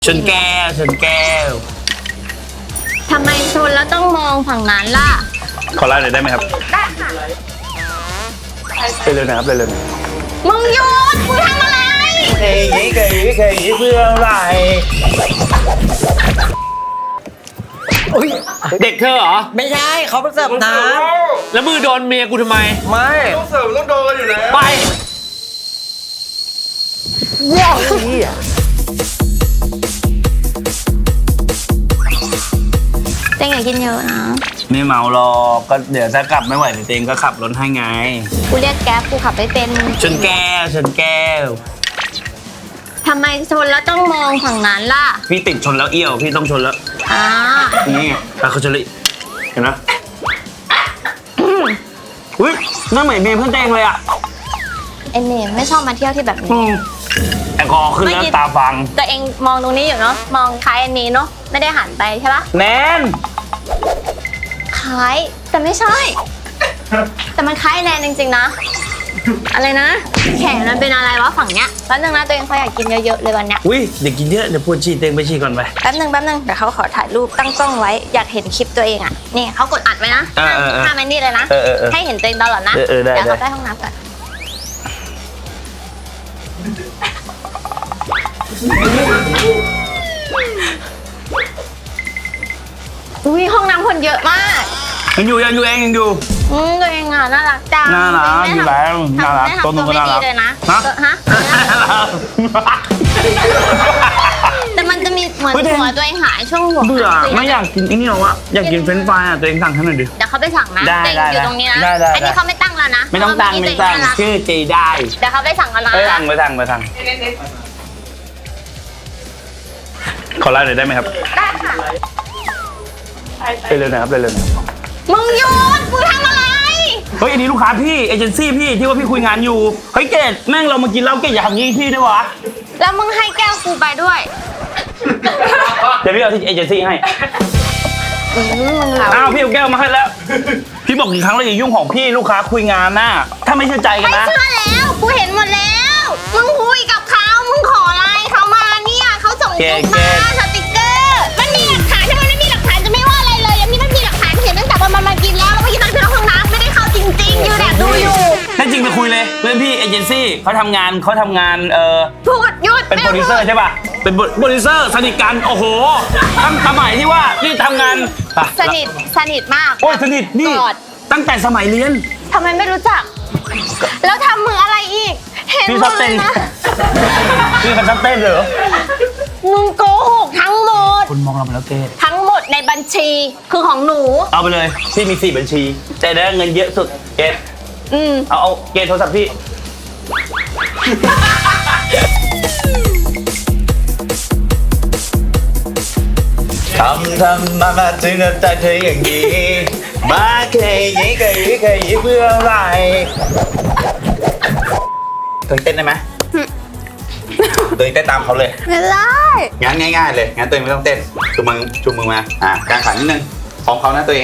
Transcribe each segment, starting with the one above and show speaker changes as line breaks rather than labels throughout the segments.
ชนแก้วชนแก้ว
ทำไมชนแล้วต้องมองฝั่งนั้นล่ะ
ขอไลน์หน่อยได้ไหมครับ
ได้ค่ะ
ไปเร็วนะครับไปเร็วหน่อย
มึงหยุดมึงทำอะไร
เคยเพื่ออะไรเด็กเธอเหรอ
ไม่ใช่เขาเสิร์ฟน้
แล้วมือโดนเมียกูทำไม
ำไม่
ต้องเสิร์ฟต้องโดนอยู่แล้ว
ไป
เต็งอย่ากินเยอะนะ
ไม่เมาหรอกก็เดี๋ยวถ้ากลับไม่ไหวเดี๋ยวเองก็ขับรถให้ไง
กูเรียกแก๊ปกูขับไม่เป็น
ชนแก้วชนแก้ว
ทำไมชนแล้วต้องมองฝั่งนั้นล่ะ
พี่ติดชนแล้วเอี้ยวพี่ต้องชนแล้ว
อ่า
นี่ไงไปเขาชนเลยเห็นไหมอุ้ยนั่งเหมือนเมียเพื่อนเต้งเลยอ่ะ
เอ็นนี่ไม่ชอบมาเที่ยวที่แบบนี้
แอลกอฮอล์ขึ้นแล้วตาฟัง
ตัวเองมองตรงนี้อยู่เนาะมองคล้ายอันนี้เนาะไม่ได้หันไปใช่ปะ
แนน
คล้ายแต่ไม่ใช่ แต่มันคล้ายแนนจริงๆนะ อะไรนะ แขนมันเป็นอะไรวะฝั่งเนี้ยแป๊บนึงนะตัวเองเขาอยากกินเยอะๆเลยวันเนี้ย
อุ้ยเด็กกินเยอะเดี๋ยวปวดฉี่เต้งไปฉี่ก่อนไป
แป๊บนึงเดี๋ยวเขาขอถ่ายรูปตั้งกล้องไว้อยากเห็นคลิปตัวเองอ่ะนี่เขากดอัดไว้นะห้ามแมนนี่เลยนะให้เห็นตัวเองตลอดนะ
ได้
เดี๋ยวเขาไปห้องน้ำก่อนอุ้ยห้องน้ำคนเยอะมาก
ยังอยู่เองยังอยู่
ตัวเองอ่ะน่ารักจัง
น่ารักอยู่แล้วน่ารัก
ไม่ทำ
ตัวหนูก็
ไม่
น่า
ดี
รัก
เลยนะ
ฮะ
ฮะแต่มันจะมีเหมือนหัวตัวเองหายช่วงหัว
เบื่อ
หาย
ไม่อยากกินไอ้นี่หรอวะอยากกินเฟรนช์ฟรายอ่ะตัวเองสั่งให้หน่อยดิ
เดี๋ยวเขาไปสั่งนะ
ได้
ตัวเองอยู่ตรงนี้นะ
ได้
อันนี้เขาไม่ตั้งแล้วนะ
ไม่ต้องตั้ง
เพราะว่า
ไม่ตั้ง
เมื่อกี้ตัวเน่ารัก
ชื่อเจได้
เดี๋ยวเขาไปสั่งกันนะ
ไปสั่งขอไลน์หน่อยได้ไหมครับ
ได้ค่ะ
ไปเร็วหน่อยครับไปเร็วหน่อย
มึงหยุดมึงทำอะไร
เฮ้ยอันนี้ลูกค้าพี่เอเจนซี่พี่ที่ว่าพี่คุยงานอยู่เฮ้ยเกดแม่งเรามากินเหล้าเกดอย่าทำงี้พี่ด้วยวะ
แล้วมึงให้แก้วกูไปด้วย
เดี๋ยวพี่เอาที่เอเจนซี่ให้
มึงเหลา
อ้าวพี่เอาแก้วมาให้แล้ว พี่บอกกี่ครั้งแล้วอย่ายุ่งของพี่ลูกค้าคุยงานน่ะถ้าไม่เชื่อใจกัน
ไม่
นะ
เชื่อแล้วกูเห็นหมดแล้วมึงคุยกับเขามึงขออะไรเขามาเนี่ยเขาส่งรูปมาสติกเกอร์มันมีหลักฐานถ้ามันไม่มีหลักฐานจะไม่ว่าอะไรเลยอันนี้มันมีหลักฐานเห็นตั้งแต่วันมันมากินแล้วเมื่อกี้ตอนขึ้นห้องน้ำไม่ได้เข้าจริงๆอยู่แอบดูอยู่
แน่จริงไปคุยเลยเพื่อนพี่เอเจนซี่เขาทำงาน
พูดหยุด
เป็นโปรดิวเซอร์ใช่ป่ะเป็นโปรดิวเซอร์สนิทกันโอ้โหตั้งสมัยที่ว่านี่ทำงานไป
สนิทมาก
โอ้ยสนิทนี่
กอด
ตั้งแต่สมัยเรียน
ทำไมไม่รู้จัก แล้วทำมืออะไรอีก เห็น
พี่
หม
ชอบ
ดเล
เต้น
ยนะ
พี่เขาชอบเต้นเหรอ
มึงโกหกทั้งหมด
คนมองเราไปแล้วเกด
ทั้งหมดในบัญชีคือของหนู
เอาไปเลยพี่มี4 บัญชีแต่ได้เงินเยอะสุดเกด เอาเกดโทรศัพท์พี่ทำมาถึงใจเธออย่างนี้มาเคยยี่เพื่ออะไรตัวเต้นได้ไหมตัวเต้นตามเขาเลย
ไม่ได้
งั้นง่ายๆเลยงั้นตัวเองไม่ต้องเต้นชูมือมากางขานิดนึงพร้อมเขานะตัวเอง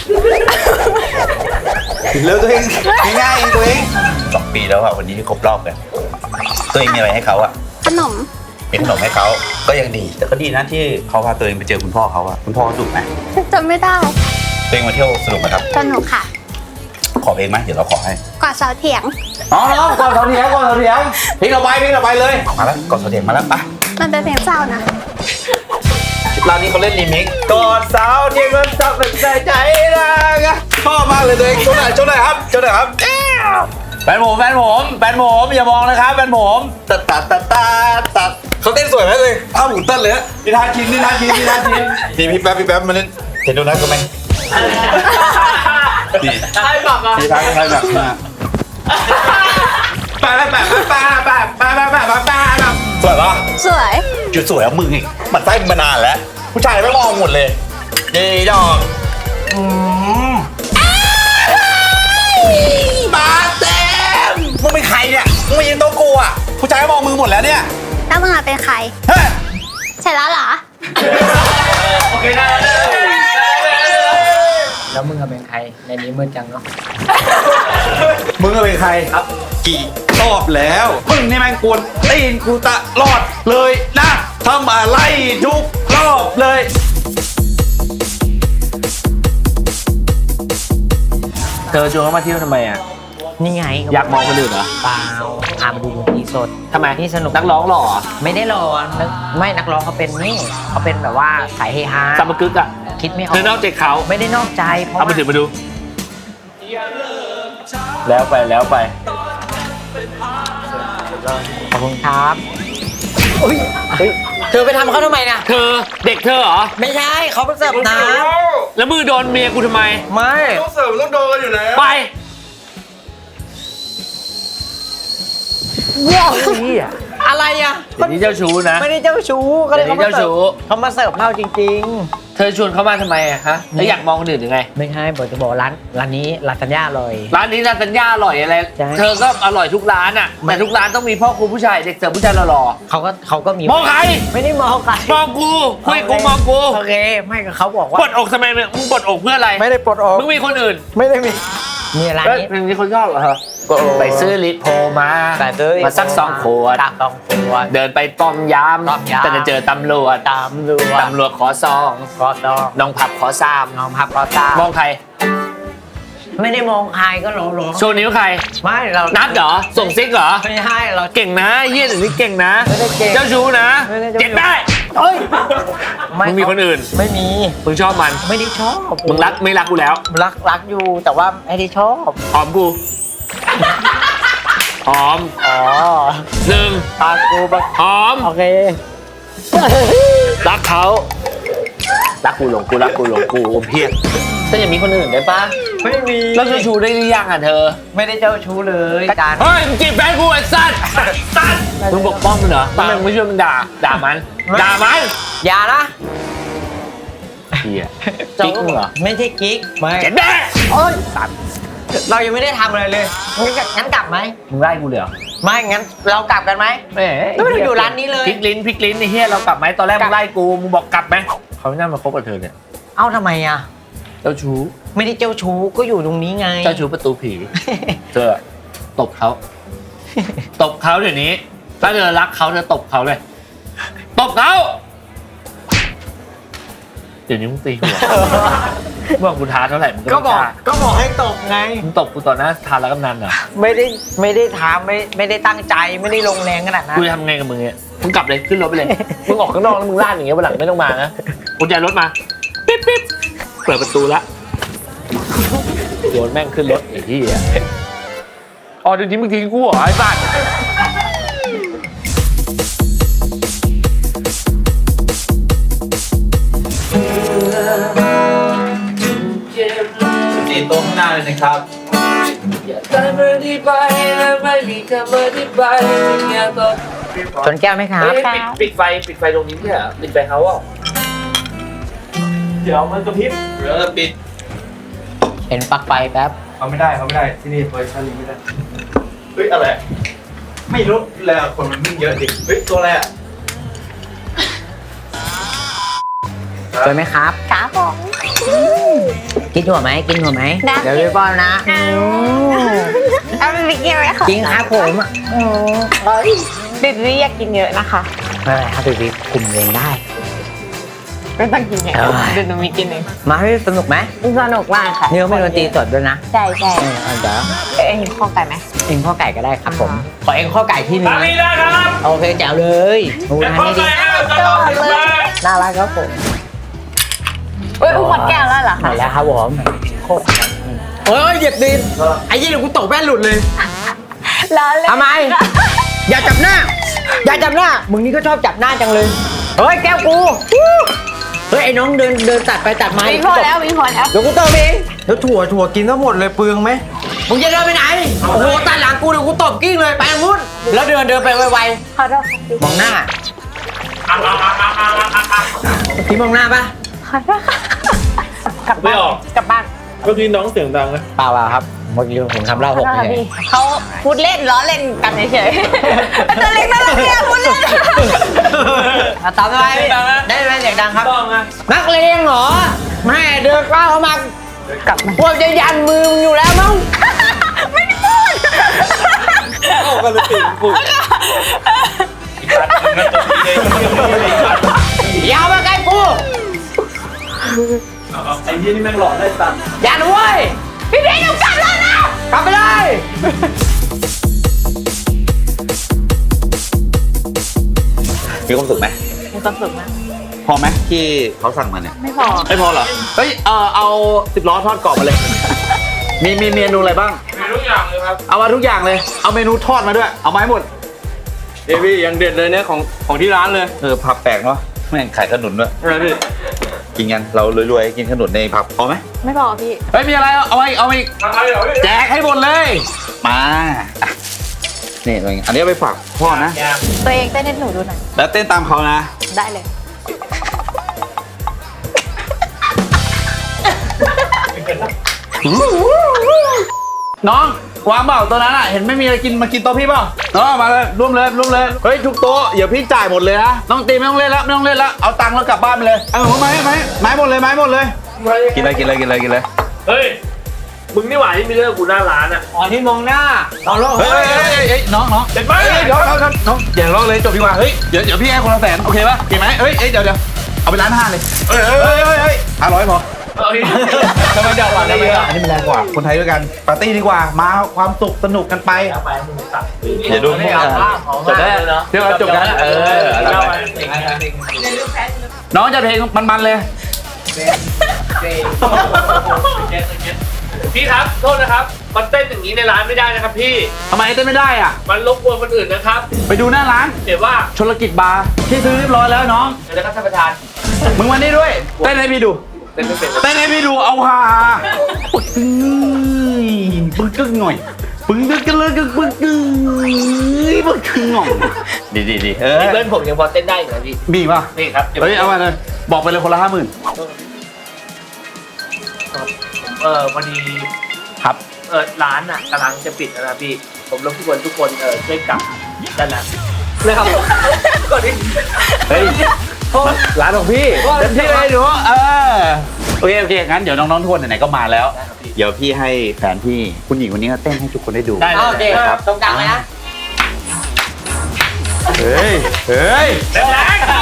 เลิกตัวเองง่ายๆตัวเอง2 ปีแล้วอะวันนี้ที่ครบรอบกันตัวเองมีอะไรให้เขาอะ
ขนม
มีขนมให้เขาก็ยังดีแต่ก็ดีนะที่เขาพาตัวเองไปเจอคุณพ่อเขาอะคุณพ่อเขาดุไหม
จำไม่ได้
ตัวเองมาเที่ยวสนุกไหมครับ
สนุกค่ะ
ขอเองไหมเดี๋ยวเราขอให้
กอดเสาเถียง
อ๋อก่อนเสาเถียงเพลงเราไปเลยมาแล้วก่อนเสาเถียงมาแล้วไป
มันเป็นเพลงเศร้านะ
ร้านนี้เขาเล่นรีมิกซ์กอดเสาเถียงมันจับเป็นใจรักชอบมากเลยตัวเองโชว์หน่อยครับแฟนผมอย่ามองนะครับแฟนผมตัดเขาเต้นสวยไหมเลยอ้าวหมุนเต้นเลยนิทานชินพี่แป๊บมาเล่นเห็นโดนัทก็ไหมนี่ใช่แบบอ่ะพี่ทักแบบนี้แปสวยปะ
สวย
จุดสวยเอามึงอีกมันไส้มานานแล้วผู้ชายไม่มองหมดเลยดีดอกมาเต็มมึงเป็นใครเนี่ยมึงมายืนโต๊ะกูอ่ะผู้ชายมองมึงหมดแล้วเนี่ย
แล้วมึงเป็นใคร
เฮ้ย
ใช่แล้วเหรอ
โอเคได้
แล้วมึงเป็นใครในนี้มืดจังเนาะ
มึงเป็นใครครับกี่รอบแล้วมึงนี่แม่งกวนตีนกูตลอดเลยนะทำอะไรทุกรอบเลย เธอชวนเขามาเที่ยวทำไมอ่ะ
นี่ไง
อยากมองคนอื่นเหรอ
เปล่าพามาดูดนตรีสด
ทำไม
นี่สนุก
นักร้องหล่อ
ไม่ได้หรอไม่นักร้องเขาเป็นนี่เขาเป็นแบบว่าสายเฮฮา
ซัมเมอร์กึกอ่ะ
คิดไม่ออ
เธอนอก
ก
ใจเขา
ไม่ได้นอกใจเพราะ
เอา
ว่า
มาถือมาดู แล้วไปแล้วไป
ขอบคุณครับอุ้ยเฮ้ยเธอไปทำเขาทำไมนะ
เธอเด็กเธอเหรอ
ไม่ใช่เขาไปเสิร์ฟน้
แล้วมือโดนเมียกูทำไม
ำไม่
ต้องเสิร์ฟต้องโดนกันอยู่แล้ว
ไป
อะไรอ่ะ
เดี๋ยวนี้เจ้าชู้นะ
ไม่ได้เจ้าชู้ก็เลย
เดี๋ยวนี้เจ้าชู้
เขามาเสิร์ฟเหล้าจริง
เธอชวนเขามาทำไมอะฮะแล้วอยากมองคนอื่นหรือไง
ๆ ไม่ใช่บอกจะบอกร้านนี้ลาซานญ่าเลย
ร้านนี้ร้านสัญญาอร่อยอะไร
ใช่
เธอก็อร่อยทุกร้านอ่ะ แต่ทุกร้านต้องมีพ่อครูผู้ชายเด็กเสิร์ฟผู้ชายหล่อ
เขาก็มี
ๆมองใคร
ไม่ได้มองใคร
มองกูคุยกูมองกู
โอเคไม่ก็เขาบอกว่า
ปลดอกทำไมมึงปลดอกเพื่ออะไร
ไม่ได้ปลดออก
มึงมีคนอื่น
ไม่ได้มีร้าน
แล้ว
นี้
มึงมีคนชอบเหรอฮะไปซื้อลิโพมา
แต่ซื้อ
มาสัก2 ขวด
ตัก2 ขวด
เดินไปป้อมยาม
ป้อมยาม
แต่จะเจอตำรวจ
ตามดู
ตำรวจขอซอง
ก็ต้อง
น้องผับขอซาม
น้องพับก็ตาม
มองใคร
ไม่ได้มองใครก็หลง
โชว์นิ้วใคร
ไม่เรา
นัดเหรอ ส่งซิกเหรอ
ไม่ให้เรา
เก่งนะเฮียเดี๋ยวนี้เก่งนะ
ไม่ได้เก่ง
เจ้าชู้นะ
ไม่ได้เจ้าชู้
เจ็บได้
เอ้ย
มึงมีคนอื่น
ไม่มี
มึงชอบมัน
ไม่ได้ชอบ
มึงรักไม่รักกูแล้ว
รักอยู่แต่ว่าไม่ได้ชอบ
หอมกูหอม
อ๋อ
หนึ่ง
ตากูแบบ
หอม
โอเค
รักเขารักกูหลงกูรักกูหลงกูเพี้ยนถ้าอย่างมีคนอื่นได้ปะ
ไม่มี
แล้วเจ้าชู้ได้หรือยังอ่ะเธอ
ไม่ได้เจ้าชู้เลยจาน
เฮ้ยมึงจีบแฟนกูไอ้สัตว์สัตว์มึงปกป้องมันเหรอทำไมมึงไม่ช่วยมันด่ามันด่ามัน
อย่านะ
เฮียกิ๊กมึงเหรอ
ไม่ใช่กิ๊กไม่
เจ็บแน่
โอ้ยสัตว์เรายังไม่ได้ทำอะไรเลยงั้นกลับไหม
มึงไล่กูเลยเหรอ
ไม่งั้นเรากลับกันไหม
แหม
แล้วไม่ได้อยู่ร้านนี้เลย
พลิกลิ้นไอ้เฮียเรากลับไหมตอนแรกมึงไล่กูมึงบอกกลับไหมเขาไม่น่ามาคบกับเธอเนี่ย
เอ้าทำไมอ่ะ
เจ้าชู้
ไม่ได้เจ้าชู้ก็อยู่ตรงนี้ไง
เจ้าชู้ประตูผี เธอตบเขาตบเขาเดี๋ยวนี้ถ้าเธอรักเขาเธอตบเขาเลยตบเขาเดี๋ยวนี้มึงตีหัวเมื่อกูท้าเท่าไหร่มึง
ก็
ก็
บ
ไม่
อก
กล้า
ก็บอกให้ตบไง
มึงตบกูต่อหน้าทานแล้วกำนันเหรอ
ไม่ได้ทำไม่ได้ตั้งใจไม่ได้ลงแรงขนาดนั้น
กูจะทำไงกับมึงเนี่ยมึงกลับเลยขึ้นรถไปเลยมึงออกข้างนอกแล้วมึงลาดอย่างเงี้ยวันหลังไม่ต้องมานะกุญแจรถมาปิ๊บปิ๊บเปิดประตูละโยนแม่งขึ้นรถไอ้ที่อ่ะอ๋อเดี๋ยวนี้มึงทิ้งกูเหรอไอ้สัตว์
สีโต๊ะข้างหน้าเลยนะครับ
ชนแก้วไหมครับ
เฮ้ยปิดไฟตรงนี้เนี่ยปิดไฟเขาอ่ะ
เดี๋ยวมันกระพริบเดี๋ยวจะปิด
เห็นปลั๊กไฟแป๊บ
เขาไม่ได้ที่นี่เวอร์ชันนี้ไม่ได้เฮ้ยอะไรไม่รู้แล้วคนมันวิ่งเยอะดิเฮ้ยตัวอะไรอ่ะ
สวยไหมครับ
ขาผม
กินหัวไหมกินหัวไหม
ได้
เดี๋ยวพี่ป้อนนะ
เอาไปกินไหมคะ
จริงครับผมอ่ะ
บิดเรียกกินเยอะนะคะ
ไม่เป็นไรครับพี่คุมเองได้
ไม่ต้องกินเยอะ
เอ้ย
เดี๋ยวหนูมีกินเอง
มาให้สนุกไหม
สนุกมากค่ะ
นี่เขาไม่ดนตรีสดด้วยนะ
ใช่ใช่
เดี๋ยว
เอ็งเห็นข้อไก่ไหม
เองข้อไก่ก็ได้ครับผม ขอเองข้อไก่ที่หนึง
ตามนี้ได้ครับ
โอเคแจ๋วเลยโอ้ย
เดี๋ยว
อัน
พ่อ
นี้ดี
ใส่ให้เราจะลองถึงมา
น่ารักครับผม
เอ้ยหมดแก้วแล้วเหรอ
หม
คะ
ดแล้วครับผมโอ้ยเหยียบดินไอ้ยี่เดี๋ยวกูตกแว่นหลุดเลย
ล้อเล่น
ทำไม อย่าจับหน้า อย่าจับหน้า มึงนี่ก็ชอบจับหน้าจังเลย เฮ้ยแก้วกู เฮ้ยไอ้น้องเดินตัดไปตัดมา
มีพอแล้วมีพอแล้ว
เดี๋ยวกูเติมเองแล้วถั่วกินทั้งหมดเลยเปลืองไหมมึงจะเดินไปไหน โอ้โหตัดหลังกูเดี๋ยวกูตบกิ้งเลยไปทางนู้นแล้วเดินไปไว
ขอโทษค่ะ
ๆมองหน้าพี่มองหน้าปะ
ขอโทษค่ะกลับบ้านกลับบ้าน
เมื่อกี้น้องเสียงดังนะ
เปล่าครับเมื่อกี้ผมทำเหล้าหก
ขอโทษ
เล
ค่ะ
ย
พี่เขาพูดเล่นล้อเล่นกันเฉยๆตัวเล็กน่ารักเนี่ยพูดเล่น
ตามไปได้ไหมเสียงดังครับ
ต้องนะ
นักเลงเหรอแม่เดินก้าวเข้ามาก
ลับมา
พวกจะยันมือมึงอยู่แล้วมั้ง
ไม่ได้พูด
เอากันเลยปิดปุ๊บ
อย่ามาใกล้กู
ไอ้ยี่นี่แม่งหลอกได้ตังค์
อย่าด้วย
พี่พีทหนูกลับแล้วนะ
กลับไปเลย
มีความสุขไหม
มีความสุขมาก
พอไหมที่เขาสั่งมาเนี่ย
ไม่พอ
ไม่พอเหรอ เฮ้ย เอา10 ล้อทอดกรอบมาเลย มีเมนูอะไรบ้าง
มีทุกอย่างเลยครับ
เอามาทุกอย่างเลย เอาเมนูทอดมาด้วย เอามาให้หมด
พี่ยังเด็ดเลยเนี่ยของที่ร้านเลย
ผับแปลกเนาะแม่งขายขนุนด้วย
อะไรพี่
กินกัน เรารวยๆ กินขนุนในผับพอไหม
ไม่พอพี่
เฮ้ย มีอะไร เอาไว้
อะไรเหรอพี่
แจกให้หมดเลย มาอ่ะนี่ตัวเองอันนี้เอาไปฝากพ่อนะ
ตัวเองเต้นให้หนูดูหน่อย
แล้วเต้นตามเขานะ
ได้เลย
น้องวางเปล่าตัวนั้นอ่ะ เห็นไม่มีอะไรกินมากินโต๊ะพี่เปล่าน้องมาเลยร่วมเลย เฮ้ยทุกโต๊ะอย่าพี่จ่ายหมดเลยนะน้องตีไม่ต้องเล่นแล้วเอาตังค์แล้วกลับบ้านไปเลยเอาไม้หมดเลยกินเลย
เฮ้ย มึงนี่หว่าที่มีเรื่องกูหน้าร้านอ่ะ
อ๋อที่มองหน้าตอนโลก
เฮ้ยน้อง
เจ็บไหม
เดี๋ยวน้องอย่าร้องเลยจบดีกว่าเฮ้ยเดี๋ยวพี่ให้คนละ100,000โอเคป่ะเก่งไหมเฮ้ยเดี๋ยวเอาไป1,500,000เลยเฮ้ย500พอ
เอาอีก
ทำไมเดี๋ยวอันนี้มันแรงกว่าคนไทยด้วยกันปาร์ตี้ดีกว่ามาความสุขสนุกกันไป
เอาไปมึงตัด
อย่าดูพวก
จบได้เนาะ
เดี๋ยวจบกันน้องจะเพลงมันเลย
พี่ครับ โทษนะครับ มันเต้นอย่างนี้ในร้านไม่ได้นะครับพี่
ทำไมเต้นไม่ได้อ่ะ
มันรบกวนคนอื่นนะครับ
ไปดูหน้าร้าน
เดี๋ยวว่า
ชลกิจบาร์ที่ซื้อเรียบร้อยแล้วน้อง
เดี๋ยวนะครับท่านประธาน
มึงมานี่ด้วยเต้นให้พี่ดู
เต้นไม่เป็น
เต้นให้พี่ดูเอาฮาปึกกึ่งหน่อยปึ้งกันเลยปึกกึ่งหน่อยดี
พี่เพื่อนผมยังพอเต้นได้อยู่นะพี่
มีป่ะ
นี่ครับ
เฮ้ยเอามาเลยบอกไปเลยคนละ50,000
พอดี
ครับ
ร้านอ่ะกำลังจะปิดแล้วนะพี่ ผมรบกวนทุกคนช่วยกลับด้านหลังนะครับก่อนที่
เฮ้ยร้านของพี่เต็มที่เลยหนูโอเคงั้นเดี๋ยวน้องๆทุกคนไหนๆก็มาแล้ว เดี๋ยวพี่ให้แฟนพี่คุณหญิงวันนี้เต้นให้ทุกคนได้ดู
ได้
โอเค
ครับ
ตรงกลางเลยนะ
เฮ้ย
แรง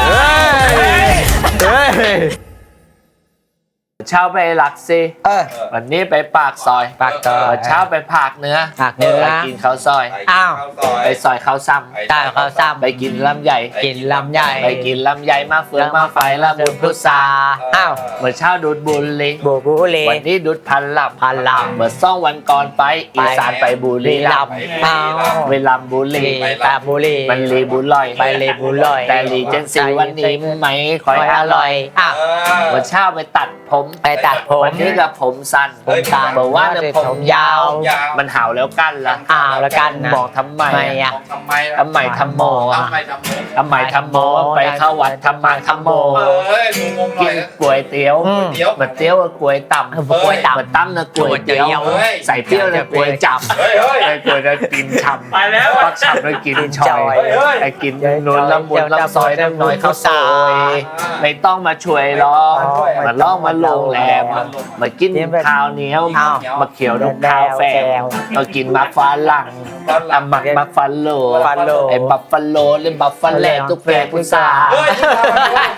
เช้าไปหลักซี วันนี้ไปปากซอย
ปากซอย
เช้าไปผากเนื้อ
ผากเนื้อ
ไปกินข้าวซอย
อ้าว
ไปซอยข้าวซ้
ตายข้าวซ้
ำไปกินลำใหญ่
ำกินลำใหญ่
ไปกินลำใหญ่มาเฟืองมาไฟละบุญพุทรา
อ้าว
เมื่อเช้าดูดบุหรี
บูบูเล
วันนี้ดูดพันลำ
พันลำ
เมื่อ2 วันก่อนไปอีสานไปบุรีรัมย์
อ้าว
ไปลำบุรี
ตาบุรี
มันรีบุลอย
ไปเลบุลอย
แต่รีเจนซีวันนี้ไม่ค่อยอร่อย
อ้าว
เมื่อเช้าไปตัดผม
ไปตัดผม
วันนี้กับผมสั้น
ผมสั้น
บอกว่าเนี่ยผมยาว
ยาว
มันห่าวแล้วกันละ
อ้าวแล้วกันนะ
บอกทำไม
ทำไมอ่ะ
ทำไม
ทำไมทำโมอะทำไมทำโมไปเข้าวัดทำมาทำโม
เฮ้ยงงๆหน่
กิ
อย
นก๋วยเตี๋ยว
อืม
เหมือนเตี๋ยวกับก๋วยต่ำ
ก๋วยต่ำ
เหมือนตั้มนะก๋วยเตี๋ยว
เฮ้ย
ใส่เปรี้ยวนะก๋วยจับ
เฮ้ย
ไอ้ก๋วยจะกินฉ่ำ
ไปแล้ว
ปักฉ่ำแล้วกินชอย
เฮ้ย
ไอ้กินนวลละมุนละซอยน้ำน้อยข้าวซอยไม่ต้องมาช่วยร้องมาล่องมาโรงแรมมากินข้าวเหนียว
อ้าว
มาเขียวดมข้าวแฟงมากินมักฟ้าหลังมักฟันโล
ฟันโล
ไอ้บัฟฟาโลเล่นบัฟฟาแลนตุ๊กแกพุทรา
เฮ้ย